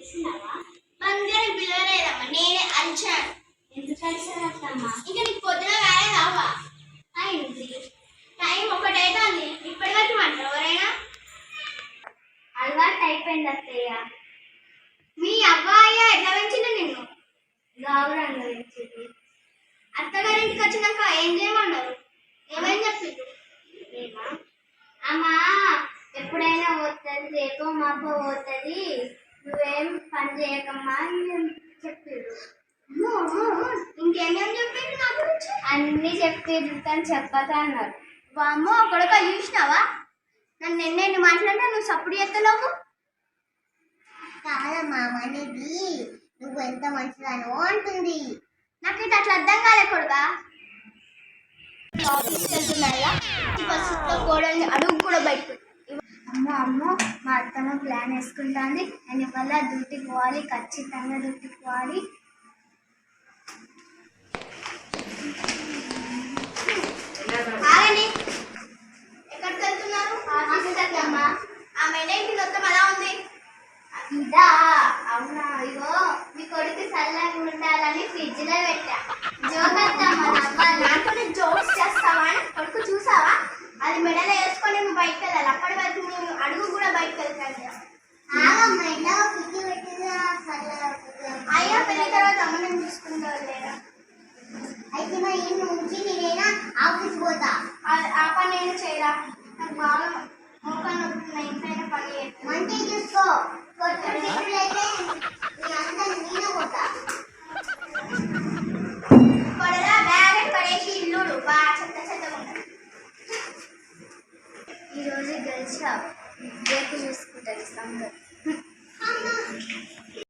బంగారం పిలవలేదమ్మా, నేనే అరిచాను. ఎందుకు అరిచానమ్మా? ఇంకా నీకు పొద్దున కాలేదావా? అయింది. టైం ఒకటైతుంది, ఇప్పటి వరకు మాట్లాడు ఎవరైనా. అలవాటు అయిపోయింది అత్తయ్య. మీ అబ్బాయి ఎట్లా పెంచింది నిన్ను? గౌరవంగా పెంచింది. అత్తగారింటికి వచ్చినాక ఏం చేయమన్నారు? ఏమని చెప్పిండు? ఏమా అమ్మా, ఎప్పుడైనా పోతుంది, రేపో మాపో పోతుంది, నువ్వేం పని చేయకమ్మా అని చెప్పారు. ఇంకేమేమి చెప్పిండు నా గురించి? అన్ని చెప్పారు కానీ చెప్పక అన్నారు. వామ్మో, కొడుక చూసినావా? నన్ను ఎన్నెన్ని మాట్లాడినా నువ్వు సప్పుడు చేస్తలేవు. కాదమ్మా అనేది, నువ్వు ఎంత మంచిదానో అంటుంది. నాకైతే అట్లా అర్థం కాలే కొడుకా. ఆఫీస్కి వెళ్తున్నారా? బస్సులో కోడల్ని అడుగు కూడా బయటకు. అమ్మో అమ్మో, మా అత్తమ్మ ప్లాన్ వేసుకుంటుంది. నేను ఇవాళ డ్యూటీకి పోవాలి, ఖచ్చితంగా డ్యూటీకి పోవాలి. ఆగండి, ఎక్కడికి వెళ్తున్నారు? ఆఫీస్కి అమ్మా. ఆ మెడేంటి మొత్తం అలా ఉంది. ఇదా? అవునా? ఇగో మీ కొడుకు చల్లగా ఉండాలని ఫ్రిడ్జ్ లో పెట్టా. నాతో జోక్స్ చేస్తావా? కొడుకు చూసావా? అది మెడలో వేసుకొని నువ్వు బయటకు వెళ్ళాలి. అప్పటి వరకు నువ్వు అడుగు కూడా బయటకు వెళ్తాను. అయ్యా పెళ్లి తర్వాత అమ్మని చూసుకుంటావు లేదా? అయితే మరి ఈ నుంచి నేనైనా ఆఫీస్ పోతా. ఆ పని నేను చేయరా? నాకు బాగా మోకాలు నొప్పి, ఇంట్లో పని మంచిగా చూసుకో. కొట్టుడు అయితే